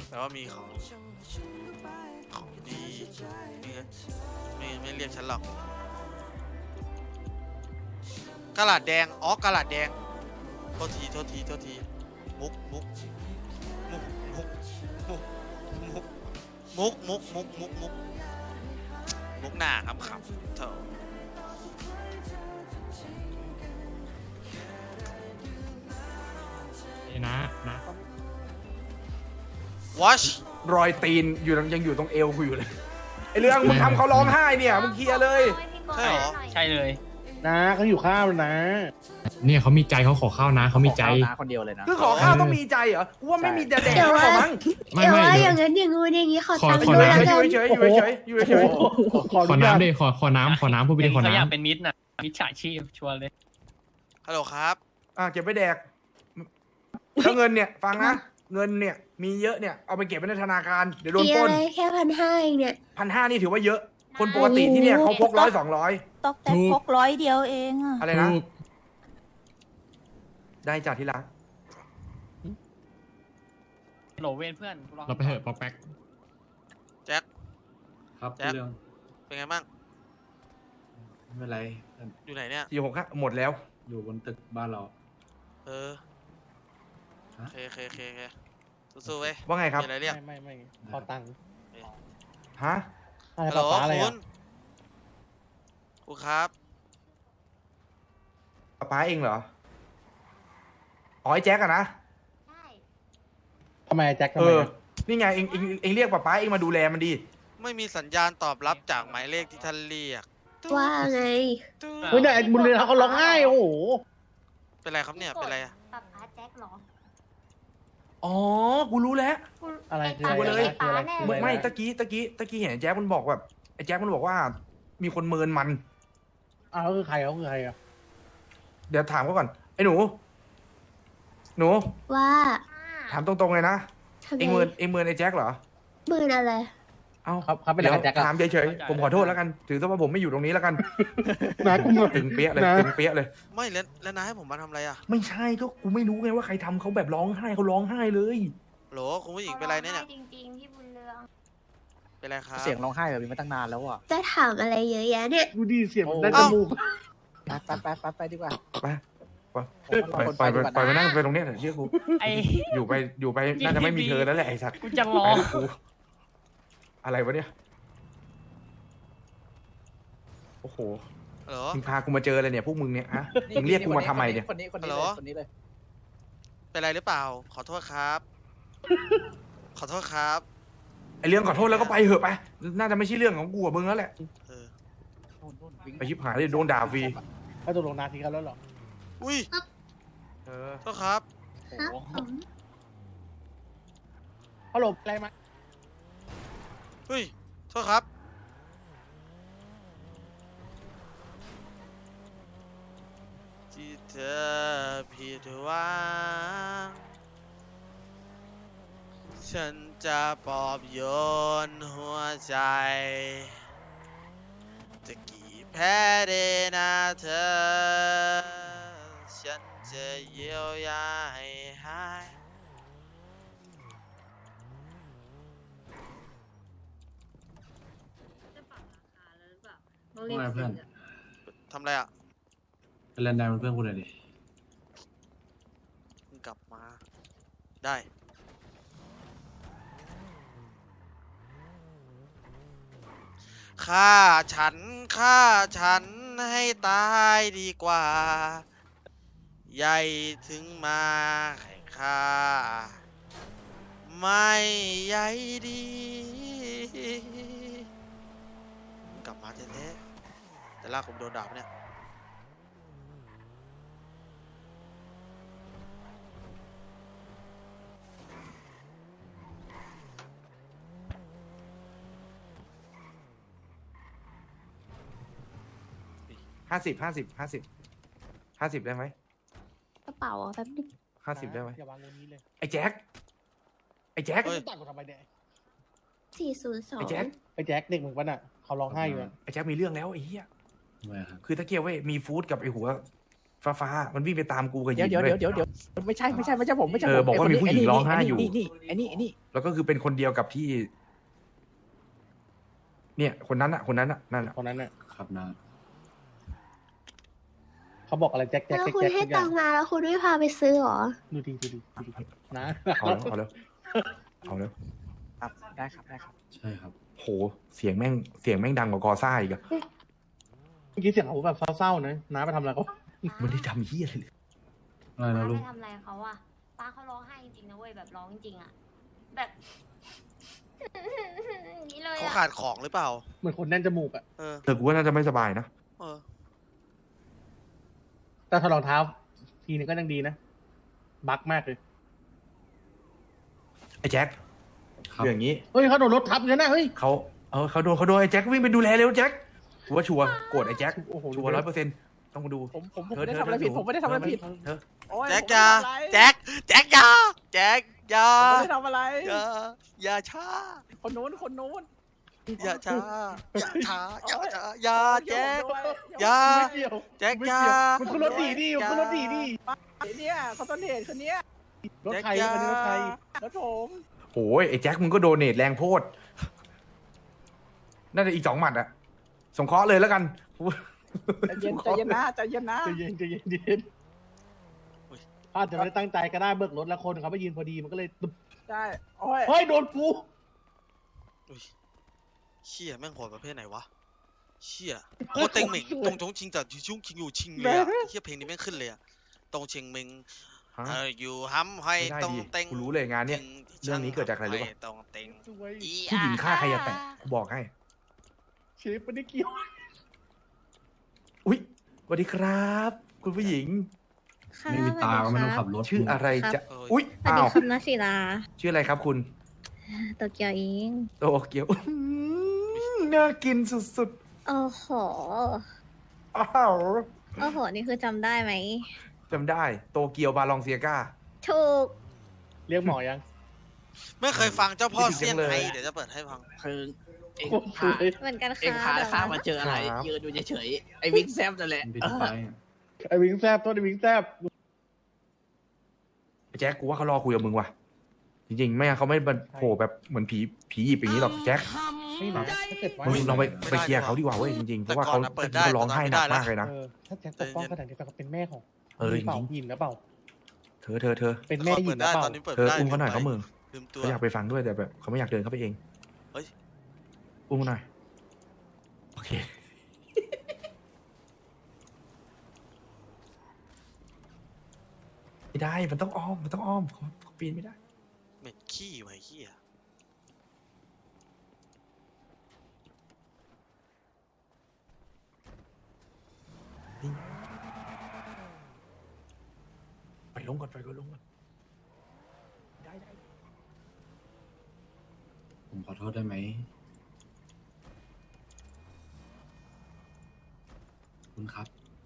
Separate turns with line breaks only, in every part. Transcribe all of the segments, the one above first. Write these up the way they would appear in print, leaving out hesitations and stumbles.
แต่ว่ามีของดีไม่เรียกฉันหรอกกะหลาดแดงอ๋อกะหลาดแดงโทษทีมุกหน้าขำๆเถอะ
นะ
watch
รอยตีนยังอยู่ตรงเอวกูอยู่เลยไอเรื่องมึงทำเขาร้องไห้เนี่ยมึงเคลียร์เลย
ใช่เหรอ
ใช่เลย
นะเขาอยู่ข้าวนะ
เนี่ยเขามีใจเขาขอข้าวนะเขามีใจ
คนเดียวเลยนะ
คือขอข้าวต้องมีใจเหรอกูว่าไม่มีแต่แดก
เดี๋ยว
หรอมั้ง
ไม่
เดี๋ยว
ไม่
ว่าอ
เดี๋ยว
ย่างนั้นอย่างงู้นอย่างงี้ขอ
ขอ
ตังค์
ขอ
ด้วย
น้ำ
แล้ว
อยู่
กัน
เฉยๆอยู่เฉยๆอยู่เฉย
ขอน้ำดิขอน้ำพูดไปดิขอ
เขาอยาก
น้ำ
เป็นมิตรน่ะมิตรฉาชีพชวนเลย
ฮัลโหลครับ
เก็บไปแดกแล้วเงินเนี่ยฟังนะเงินเนี่ยมีเยอะเนี่ยเอาไปเก็บไว้ในธนาคารเดี๋ยวโดน
มี
ปล้
อะ
น
ไรแค่1,500เองเนี่ย
1,500นี่ถือว่าเยอะ คนปกติที่เนี่ยเขาพก100-200
ตกแต่พก100 เดียวเองอะ
อะไรนะ
ถูก
ได้จากที่รัก
โหลเวนเพื่อน
เราไปเถอะปอกแป๊ก
แจ็ค
ครับ
แจ็ค
เรื่อง
เป็นไงบ้าง
ไม่เป็นไร
อยู่ไหนเนี่ย
465หมดแล้ว
อยู่บนตึกบ้านเรา
เออโอ
ฮะ
เคสู้ๆเว้ย
ว่าไงครับ
มีอะไรเรียก
ไม่ขอตังค์
ฮะ
อะไร
ฮัลโหล
ป้าอะไร
คุ
อ่ะ
ณครับ
ป้าเองเหรออ๋อไอ้แจ็คอะนะ
ทำไมแจ็คทำ
เอ
ไม
อ
อะ
นี่ไงเองเรียกป้าเองมาดูแลมันดี
ไม่มีสัญญาณตอบรับจากหมายเลขที่ท่านเรียก
ว่าไง
เฮ้ยเนี่ยไอ้บุญเรือนเขาร้องไห้โอ้โห
เป็นไรครับเนี่ยเป็นไรอะ
กับอาแจ็คเหรอ
อ๋อกูรู้แล้ว
อะไรคือ
ไป
อะไร
เลย
คืออะไรคืออะไร
ไม่ตะกี้เห็นไอ้แจ็คมันบอกแบบไอ้แจ็คมันบอกว่า มีคนเมินมัน
อ้าวเขาคือใครเขาคือใครอ่ะ
เดี๋ยวถามเขาก่อนไอ้หนู
ว่า
ถามตรงๆเลยนะ
ทำไม
เองเมินไอ้แจ็คเหรอ
หมื่นอะไร
เอ้า
เขาเป็นอะไรกับแจ็คอะ
ถามเฉยๆผมขอโทษแล้วกัน ถือซะว่าผมไม่อยู่ตรงนี้แล้วกัน
นะกูมา
ตึงเปี้ยเลย
นะ
ตึงเปี้ยเลย
ไม่แล้วนายให้ผมมาทำอะไรอะ
ไม่ใช่ก็กูไม่รู้ไงว่าใครทำเขาแบบร้องไห้เขาร้องไห้เลย
โหลคุณผู้หญิงเป็นไรเนี่ย
จริงๆ พี่บุญเรือง
เป็นไรครับ
เสียงร้องไห้แบบนี้มาตั้งนานแล้วอ่ะ
จะถามอะไรเยอะแยะเนี่ย
ดูดิเสียง
โอ้
ได้จมูก
ไปดีกว่า
ไป
คน
ปล่อย
ดีกว่า
ไปนั่งไปตรงเนี้ยเถอะเชื่อกู
ไอ้
อยู่ไปน่าจะไม่มีเธอแล้วแหละไอ้สัตว์
กูจะร้อ
ไป
ง
กับกูอะไรวะเนี่ยโอ้โห
ฮัลโหล
มึงพากูมาเจออะไรเนี่ยพวกมึงเนี่ยฮะมึงเรียกกูมาทำไมเนี่ย
คนนี้
ฮัลโหล
คนนี้เลย
เป็นไรหรือเปล่า ขอโทษครับ ขอโทษครับ
ไอเรื่องขอโทษแล้วก็ไปเหอะไปน่าจะไม่ใช่เรื่องของกูกับมึงแล้วแหละ
เออ
ไปชิบหายเลยโดนด่าฟรี
เขาตกลงนาทีกันแล้วเหรอ
อุ้ย
เออ
โทษครับ
โอ้โห
เขาหลบอะไรมา
เฮ้ย โทษครับ ที่เธอผิดหวังฉันจะปลอบโยนหัวใจ จะกี่แพ้ได้นะเธอ ฉันจะเยียวยาให้หาย
ว่าไงเพื่อน
ทำไรอ่ะ
เป็นแลนด์แดนเป็นเพื่อนกูเลยดิ
มึงกลับมา ได้ ฆ่าฉันให้ตายดีกว่า ใหญ่ถึงมาแข่งข้าไม่ใหญ่ดีมึงกลับมาแท้ๆแต่ลากผมโดนด่าปะเนี่ย
50ได้ไหม
กระเป๋าอะแป๊บนึง
50ได้ไหม
อย่าวางบนนี้เลย
ไอ้แจ็ค
เฮ้ย
จะต่อยกูทำไมเนี่ย
ไอ้แจ็ค
402
ไอ้แจ็คเด็กมึงปะน่ะเขาร้องไห้อยู่อะ
ไอ้แจ็คมีเรื่องแล้วไอ้เหี้ย
ทำไมครับ
คือตะเกียบเว้ยมีฟู้ดกับไอ้หัวฟ้ามันวิ่งไปตามกูกับหญิ
เดี๋ยว
ง
เดี๋ยว
ว้
เดี๋ยวไม่ใช่ผมไม่ใช่
บอกว่ามีผู้หญิงร้องไห้อยู่
นี่
แล้วก็คือเป็นคนเดียวกับที่ เนี่ยคนนั้นอะนั่นอะ
คนนั้นน่ะ
ครับนะ
เขาบอกอะไรแจ็ค
แล้วคุณ
ทุ
ให้
กอย่า
ตังค์มาแล้วคุณไม่พาไปซื้อหรอ
ดูดีนะ
เอาแล้ว
ครับ ได้ครับ
ใช่ครับ
โหเสียงแม่งดังกว่ากอซ่าอีกอะ
เมื่อกี้เสียงเขาแบบเศร้าๆนะน้าไปทำอะไรเขา
มันได้ทำเฮียอะไรเลย
อะไรนะลูก
ป้าไปทำอะไรเขาอะป้าเขาร้องไห้จริงๆนะเว้ยแบบร้องจริงๆอะแบบ อย่างนี้เลย
เขา
อะ
ขาดของหรือเปล่า
เหมือนคนแน่นจมูกอะ
เออ
เธอกูว่าน่าจะไม่สบายนะ
เออ
แต่ถอดรองเท้า ทีนึงก็ยังดีนะ บักมากเลย
ไอ้แจ็ค
ครับ
เรื่องอย่างนี้
เฮ้ยเขาโดนรถทับกันนะเฮ้ย
เขาโดนไอ้แจ็ควิ่งไปดูแลเร็วแจ็คกูว่าชัวร์โกรธไอ้แจ็ค
โอ้โห
ชัวร์100%ต้องมาดู
ผมไม่ได้ทำอะไรผิด ผมไม่ได้ทำอะไรผิด
เธอ
โอ๊ย
แจ็ค
ผม
อยา
ไม่ได้ทำอะไร
แจ็คอยาแจ็คอยา
ผมไม่ได้ทำอะไร
อย่าช้า
คนนู้น
อย่าช้าอย่าช้าอย่าแจ็ค
โอ๊ย
อย่า
ไม่เกี่ยว
แจ็ค
ไม่
อยา
เกี่ยวมันคือรถดีมันคือรถดี
เนี่ยเขาต้นเหตุคนเนี้ย
รถใครอันนี้รถใคร
รถผม
โอ้ยไอ้แจ็คมึงก็โดเนทแรงโพดน่าจะอีก2 หมัดอะสงเคราะห์เลยแล้วกัน
ใจเย็นนะใจเย็นนะ
ใจเย็นอาจจะไม่ได้ตั้งใจก็ได้เบิกรถแล้วคนเขาไปยืนพอดีมันก็เลยตึบ
ใช่โอ้ย
เฮ้ยโดนกู
อุ๊ยเชี่ยแม่งโหดประเภทไหนวะเชี่ยโคตรเต็งเหม่งตรงชงชิงจากชุ่งชิงอยู่ชิงเลยอะเชี่ยเพลงนี้แม่งขึ้นเลยอะตรงเชียงเมง
ฮะ
อยู่ห้ำให้
ไม่ได้
ตรง
ดิ
เต็ง
กูรู้เลยงานเนี้ย เรื่องนี้เกิดจากอะไรรู้ปะ
ตรงเต็ง
สวย
ผู้หญิงฆ่าใครจะแตะกูบอกให้
เชฟไม่ได้เกี่ยว
อุ๊ยสวัสดีครับ คุณผู้หญิง
ไม่มีตาก็ไม่ต้องขับรถ
ชื่ออะไรจะ
เออ
อุ๊ย
สวัส
อ้า
ดี
ว
คุณนัศิลา
ชื่ออะไรครับคุณ
โตเกียวอิง
โตเกียวน่ากินสุด
โอ้โห
ๆอ้าว
โอ้โห นี่คือจำได้ไหม
จำได้โตเกียวบาลองเซียก้า
ถูก
เรียกหมอยัง
ไม่เคยฟังเจ้าพ่อ
คิดถึง
เซี่ยง
จังเลย
ไฮ้เดี๋ยวจะเปิดให้ฟัง
คือเอง
โคตรสวย
เหมือนกัน
เอง
ค่ะ
พาข้ามาเจออะไร
ครับ
ยืนอยู่เฉยๆไอ้วิงแซมนั่นแหละ
มันเป็นไปอะ
ไอ้วิงแซบต้นไอ้วิงแซบ
ไอ้แจ็คกูว่าเขารอคุยกับมึงว่ะ จริงๆไม่งั้นเขาไม่มาโผล่แบบเหมือนผีหยิบอย่างนี้หรอกแจ็ค
ไม่นะถ้าเกิดว่า
มึงลองไป
ไม่ได้
เคลียร์เขาดีกว่าเว้ยจริงๆเพ
แต่
ราะว่า
ก่อ
เขา
นน่ะเปิดได้
ร้องไห้หนัก
ตอนนั้นไม่ได้
มากเลยนะ
ถ้าแจ็คปกป้องขนาดนี้แปลว่าเป็นแม่ของ
เออ
หรืเปล่า
จริง
ยินหรือเปล่า
เธอ
เป็นแม่
ก่อน
ยิ
เปิ
น
ด
หรื
ได้
อเปล่า
ตอนนี้เปิด
เธอ
ไม่ได้
อุ้มเขาหน่อยเขามึง
ลืมตัว
เขาอยากไปฟังด้วยแต่แบบเขาไม่อยากเดินเข้าไปเอง
เฮ้ย
อุ้มเขาหน่อยโอเคไม่ได้มันต้องอ้อมเขาปีนไม่ได้
เหม็นขี้ไว้เหี้ย
ไปลงก่อนได้
ผมขอโทษได้ไหม คุณครับ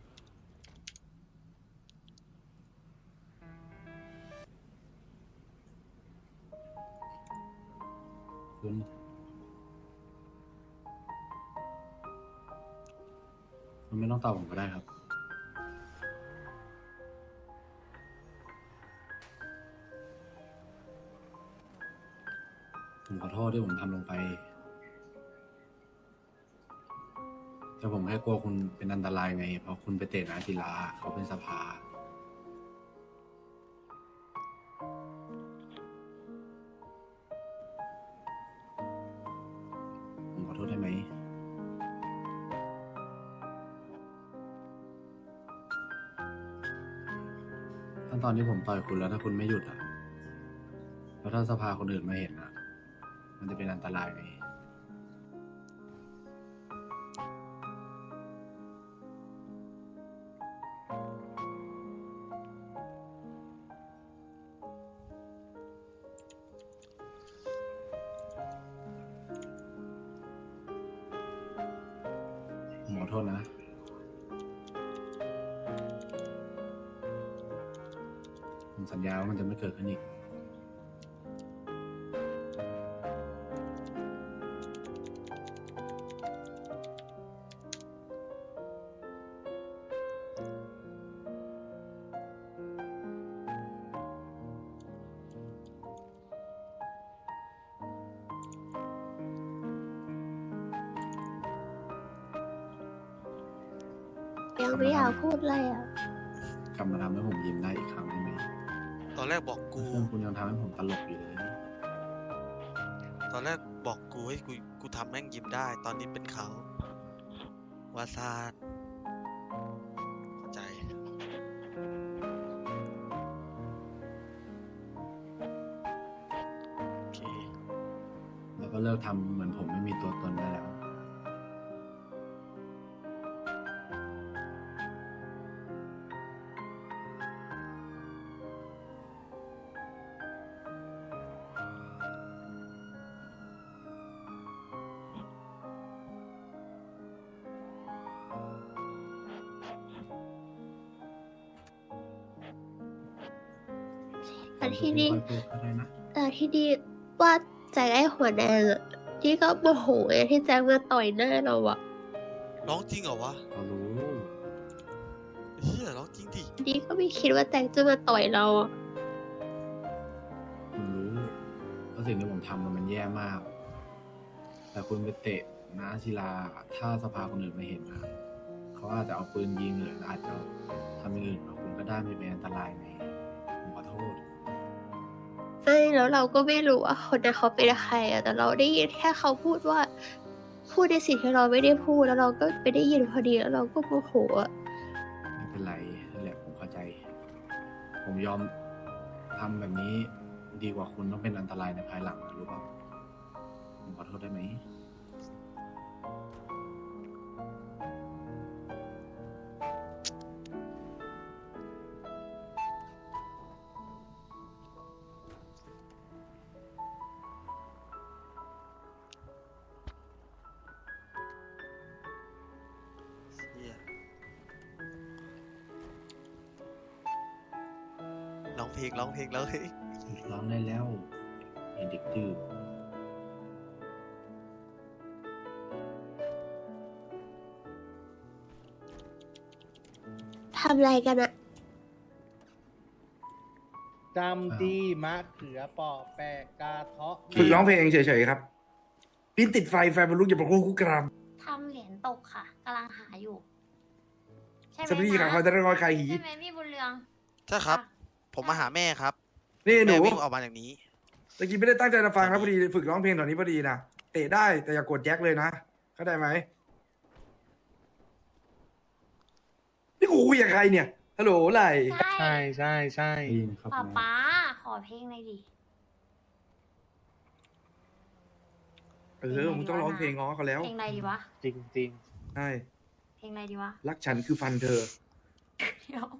คุณไม่ต้องตอบผมก็ได้ครับ ผมขอโทษที่ผมทำลงไป แต่ผมแค่กลัวคุณเป็นอันตรายไง เพราะคุณไปเตะนาศิลาเขาเป็นสภา ผมขอโทษได้ไหม ตอนที่ผมต่อยคุณแล้วถ้าคุณไม่หยุดอ่ะ แล้วถ้าสภาคนอื่นมาเห็นอ่ะ มันจะเป็นอันตรายไง ผมขอโทษนะ ผมสัญญาว่ามันจะไม่เกิดขึ้นอีก
ยังไม่อยากพูดเลยอ่ะ
กลับมาทำให้ผมยิ้มได้อีกครั้งได้ไหม
ตอนแรกบอกกู
เพื่อนคุณยังทำให้ผมตลกอยู่เลย
ตอนแรกบอกกูให้กูทำแม่งยิ้มได้ ตอนนี้เป็นเขาวาซานเข้าใจโอเค
แล้วก็เลิกทำเหมือนผมไม่มีตัวตนได้แล้ว
แต่ที่นี่
ค่อยพูดก็ได้นะ
แต่ที่นี่ว่าแจ็คไอ้หัวแดงอะที่ก็โมโหไอ้ที่แจ็คมาต่อยหน้าเราอะ
ร้องจริงเหรอวะ
เขารู้
เฮียร้องจริงดิ
นี่ก็ไม่คิดว่าแจ็คจะมาต่อยเราอะ
ผมรู้ว่าสิ่งที่ผมทำมันแย่มาก แต่คุณไปเตะน้าศิลา ถ้าสภาคนอื่นมาเห็นนะเขาอาจจะเอาปืนยิงหรืออาจจะทำอย่างอื่นกับคุณก็ได้ไม่เป็นอันตรายไหมผมขอโทษ
ใช่แล้วเราก็ไม่รู้ว่าคนนั้นเขาเป็นใครอะแต่เราได้ยินแค่เขาพูดว่า พูดในสิ่งที่เราไม่ได้พูดแล้วเราก็ไปได้ยินพอดีแล้วเราก็โมโหอะ
ไม่เป็นไรนั่นแหละผมเข้าใจ ผมยอมทำแบบนี้ดีกว่าคุณต้องเป็นอันตรายในภายหลังนะรู้เปล่าผมขอโทษได้ไหม
เฮียร้องเพลงแล้วเฮ้ย
ร้องได้แล้วไอ้เด็กดื้อ
ทำอะไรกันอะ
จำจี้มะเขือปอแปะกาเทาะ
ฝึกร้องเพลงเฉยๆครับปิ้นติดไฟบรรลุอย่าประโคคุกกราม
ทำเหรียญตกค่ะกำลังหาอยู่ ใช่ไหม
สวัสดีค่ะ
นะ
คอยตะรอยคายหี
ใช่ไหมพี่บุญเรือง
ใช่ครับ ผมมาหาแม่ครับ
นี่หนู
แม่วิ่งออกมาอย่างนี้
ตะกี้ไม่ได้ตั้งใจจะฟังนะพอดีฝึกร้องเพลงตอนนี้พอดีนะเตะได้แต่อย่ากดแจ็คเลยนะเข้าใจไหมนี่กูคุยกับใครเนี่ยฮัลโหลไหล
ใช่
ใช่ใช่
ได้ยินครับ
ป๊า
นะ
ป๊าขอเพลงหน่อยดิ
มึงต้องร้องเพลงง้อเขาแล้ว
เพลงอะไรดีวะ
จริงจริง
ใช่
เพลงอะไรดีวะ
รักฉันคือฟันเธอ
เดี๋ยว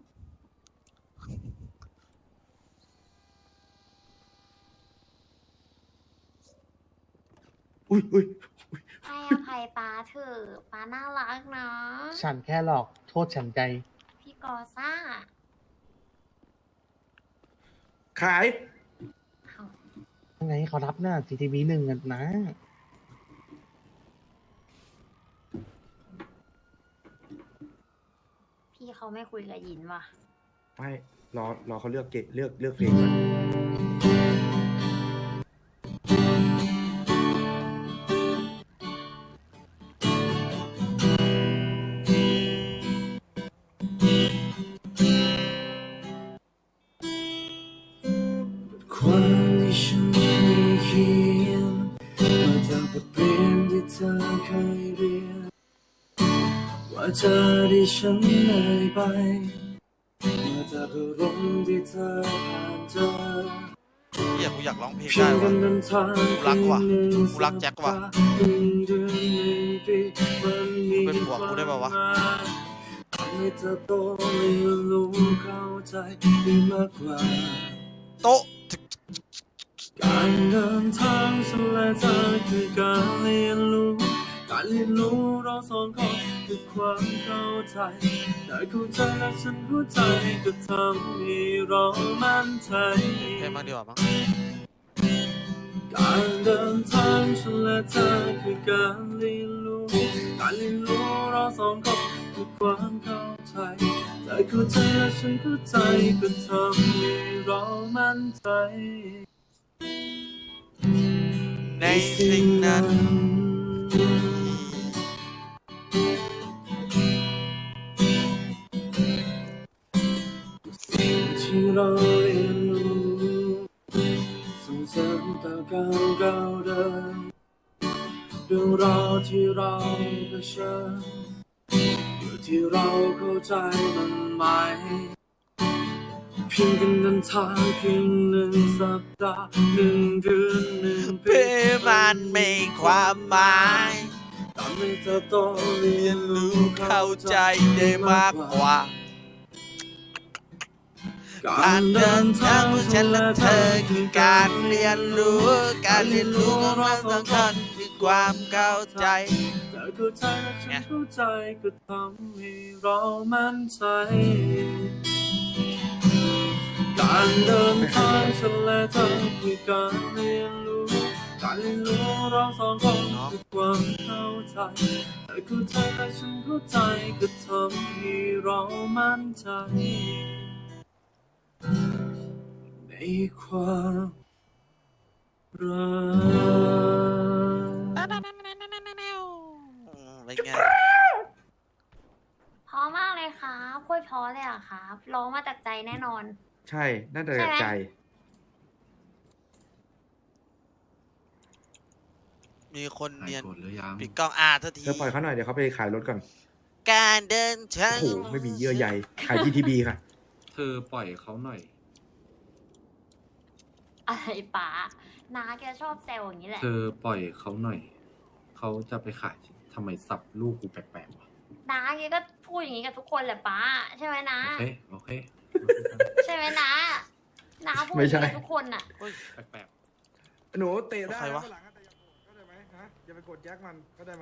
อุ้ย
ให้อภัยป๊าเถอะป๊าน่ารักนะ
ๆฉันแค่หลอกโทษฉันใจ
พี่กอซ่า
ขาย
ยังไงเขารับหน้า GTV 1กันนะ
พี่เขาไม่คุยกับยินว่ะ
ไม่รอเขาเลือกเลือกเพลงก่อน
ความที่ฉันไม่เขียนมาจากบทเรียนที่เธอเคยเรียนว่าเธอที่ฉันเหนื่อยไปมาจากอารมณ์ที่เธอผ่านเจอ
เฮียกูอยากร้องเพลง
เพีย
ได้
งกั
วะ
นเดินทาง
กูรักว่ะกูรักแจ็คว่ะ
เดือนหนึ่งปีมันมี
เป็นผัวกูได้ป่าวะ
ทำให้เธอโตเรียนรู้เข้าใจได้มากกว่า
โต๊ะ
การเดินทางฉันและเธอคือการเรียนรู้เราสองคนคือความเข้าใจได้เข้าใจและฉันเข้าใจก็ทำให้เรามั่นใจ
เพลงบ้างดีกว่ามั้ง
การเดินทางฉันและเธอคือการเรียนรู้เราสองคนคือความเข้าใจได้เข้าใจและฉันเข้าใจก็ทำให้เรามั่นใจ
ในสิ่งนั้น
เราเดินเรื่องราวที่เราเผชิญอยู่ที่เราเข้าใจมันไหมเพียงกันเดินทางเพียง1 สัปดาห์1 เดือน1 ปี
มันมีความหมาย
ตามให้เติบโตเรียนรู้
เข้าใจได้มากกว่าการเดินทางของฉันและเธอคือการเรียนรู้ของเราสองคนคือความเข้าใจ
เธอเข้าใจและฉันเข้าใจก็ทำให้เรามั่นใจการเดินทางฉันและเธอคือการเรียนรู้เราสองคนคือความเข้าใจเธอเข้าใจและฉันเข้าใจก็ทำให้เรามั่นใจในความรัก
เป็นไง
เพราะมากเลยครับโคตรเพราะเลยอะครับร้องมาจากใจแน่นอน
ใช่น่าจะจากใจ
มีคนเนียน
หายโกรธหรือยัง
ปิดกล้องทันที
เธอปล่อยเขาหน่อยเดี๋ยวเขาไปขายรถก่อน
การเดินทาง
โอ้โหไม่มีเยื่อใยขาย GTB ค่ะ
เธอปล่อยเขาหน่อย
อะไรป๋าน้าแกชอบแซวอย่างนี้แหละ
เธอปล่อยเขาหน่อย เขาจะไปขายทำไมสับลูกกูแปลกๆวะ
น้าแกก็พูดอย่างนี้กับทุกคนแหละป๋าใช่ไหมนะ
โอเค
ใช่ไหมนะน้าพูด
ไม่
อย่าง
ใช่
นี้กับทุกคนอะ
แปลก
หนูเตะได้
ใครวะ
ข้างหลังอะแต่อย่าโกรธเข้าใจไหมฮะอย่าไปกดแจ็คมันเข้าใจไหม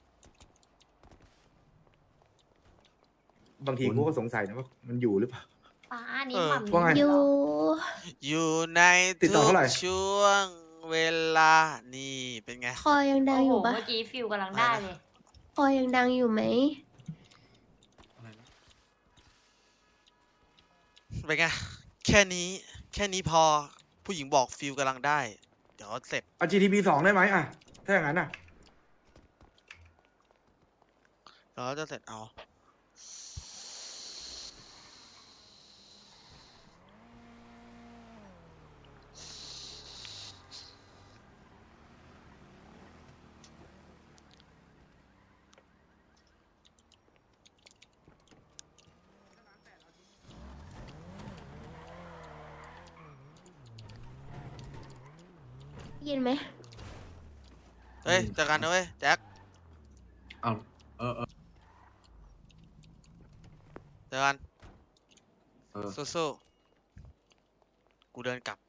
บางทีกูก็สงสัยนะว่ามันอยู่หรือเปล่า
ป๋านี่หม่ำ
ว่าไง
นี่
อยู่
อยู่ใน
ติดต่
ทุ
อก เท่าไหร่
ช่วงเวลานี่เป็นไง
คอยังดัง
โอ้
อ
โห
ยู่ปะ
เมื่อกี้ฟิลกำลังได้เลย
คอยังดังอยู่ไหม
เป็นไง แค่นี้พอผู้หญิงบอกฟิลกำลังได้ เดี๋ยวเสร็จ
เอา GTB 2ได้ไหมอ่ะถ้าอย่างนั้นอ่ะ
เดี๋ยวจะเสร็จเอา
ยินไหม
เฮ้ยเจอกันนะเว้ยแจ็ค
ๆเอา
เจอกัน
เออ
สู้ๆกูเดินกลับ